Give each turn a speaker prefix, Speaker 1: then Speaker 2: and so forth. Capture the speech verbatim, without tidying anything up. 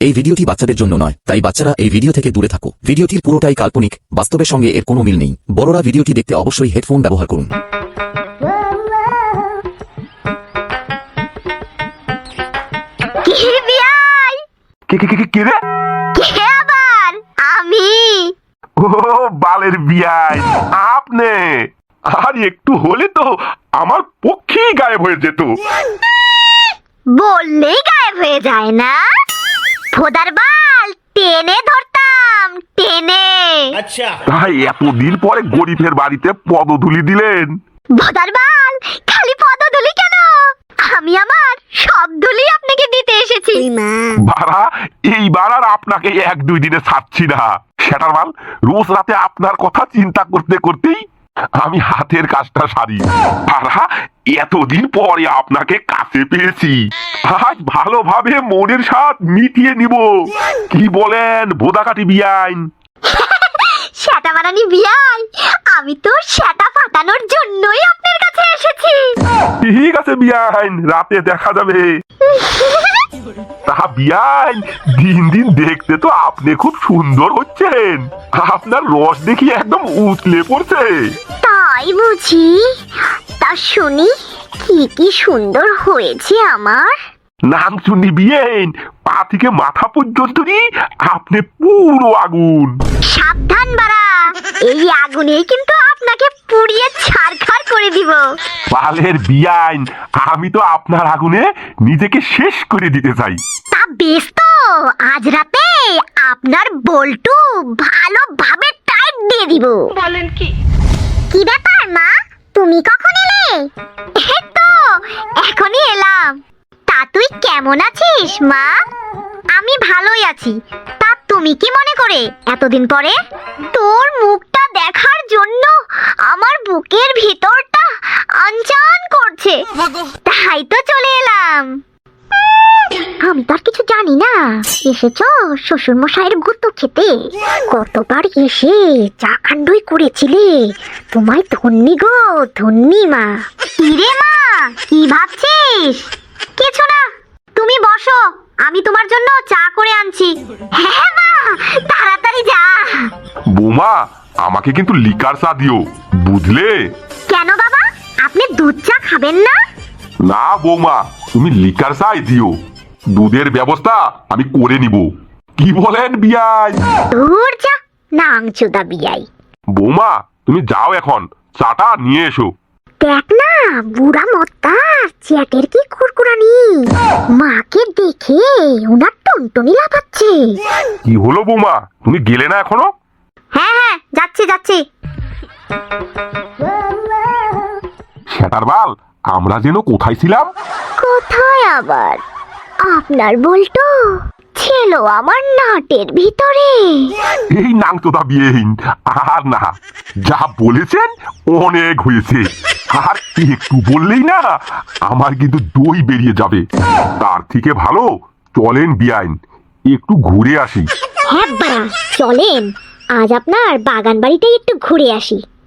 Speaker 1: এই ভিডিওটি বাচ্চাদের জন্য নয়, তাই বাচ্চারা এই ভিডিও থেকে দূরে থাকো। ভিডিওটির পুরোটাই কাল্পনিক, বাস্তবের সঙ্গে এর কোনো মিল নেই। বড়রা ভিডিওটি দেখতে অবশ্যই হেডফোন ব্যবহার করুন।
Speaker 2: বালের বিয়াই আপনি আর একটু হলে তো আমার পক্ষেই গায়েব হয়ে যেত।
Speaker 3: বললেই গায়েব হয়ে যায় না? ফোদার বাল টেনে ধরতাম, টেনে।
Speaker 2: আচ্ছা, তাই এতদিন পরে গরিবের বাড়িতে পদধূলি দিলেন?
Speaker 3: ফোদার বাল খালি পদধূলি কেন, আমি আমার সব ধুলি আপনাকে দিতে এসেছি।
Speaker 2: বাড়া এইবার আর আপনাকে এক দুই দিনে ছাড়ছি না। সেটার মাল রোজ রাতে আপনার কথা চিন্তা করতে করতেই আমি হাতের কাজটা সারি। বাড়া এতদিন পরে আপনাকে কাছে পেয়েছি, আজ ভালোভাবে মনের স্বাদ মিটিয়ে নিব। কি বলেন ভোদাকাটি বিয়াইন?
Speaker 3: সেটা বানানি বিয়াই, আমি তো সেটা ফাটানোর জন্যই আপনার কাছে এসেছি।
Speaker 2: ঠিক আছে বিয়াইন, রাতে দেখা যাবে। তা বিয়াইন দিন দিন দেখতে তো আপনি খুব সুন্দর হচ্ছেন, আপনার রস দেখি একদম উতলে পড়ছে।
Speaker 3: তাই বুঝি? তা শুনি কি কি সুন্দর হয়েছে আমার।
Speaker 2: নাম শুনি বিয়েন, পা থেকে মাথা পর্যন্ত আপনি পুরো আগুন।
Speaker 3: সাবধান বাড়া, এই আগুনেই কিন্তু আপনাকে পুড়িয়ে ছারখার করে দিব।
Speaker 2: বালের বিয়াইন, আমি তো আপনার আগুনে নিজেকে শেষ করে দিতে চাই।
Speaker 3: তা বেশ, তো আজ রাতে আপনার বল্টু ভালোভাবে টাইট দিয়ে দিব।
Speaker 4: বলেন কি?
Speaker 3: কি ব্যাপার মা, তুমি কখন এলে? এই তো এখনই এলাম। তা তুই কেমন আছিস মা? আমি ভালোই আছি। তা তুমি কি মনে করে এতদিন পরে? তোর মুখটা দেখার জন্য আমার বুকের ভিতরটা আনচান করছে, তাই তো চলে এলাম। আমি তো আর কিছু জানি না, এসেছো শ্বশুর মশাইয়ের গুতো খেতে। কতবার এসে চা কাণ্ডই করেছিলে, তোমায় ধন্যি গো ধন্যি মা। কিরে মা, কি ভাবছিস? কিছু না, তুমি বসো, আমি তোমার জন্য চা করে আনছি। হ্যাঁ মা, তাড়াতাড়ি যা।
Speaker 2: বৌমা আমাকে কিন্তু লিকার চা দিও, বুঝলে?
Speaker 3: কেন বাবা, আপনি দুধ চা খাবেন না?
Speaker 2: না বৌমা, তুমি লিকার চাই দিও, দুধের ব্যবস্থা আমি করে নিব। কি বলেন বিয়াই?
Speaker 3: দূর যা নাংচুদা বিয়াই।
Speaker 2: বৌমা তুমি যাও, এখন চাটা নিয়ে এসো।
Speaker 3: দেখ না বুড়া মত্তা চ্যাটের কি কুরকুরানি, মাকে দেখে ওনার টনটনি লাফাচ্ছে।
Speaker 2: কি হলো বৌমা, তুমি গেলে না এখনো?
Speaker 3: হ্যাঁ হ্যাঁ যাচ্ছি যাচ্ছি।
Speaker 2: সেটার বাল, আমরা যেন কোথায় ছিলাম?
Speaker 3: কোথায় আবার? আপনার বলতো ছিল আমার নাটের ভিতরে।
Speaker 2: এই নাংচোদা বিয়েহীন, আর না, যা বলেছেন অনেক হয়েছে। আর একটু বললেই না আমার কিন্তু দই বেরিয়ে যাবে। তার থেকে ভালো চলেন বিয়াইন, একটু ঘুরে আসি।
Speaker 3: হ্যাঁ বাড়া চলেন, আজ আপনার বাগান বাড়িটাই একটু ঘুরে আসি।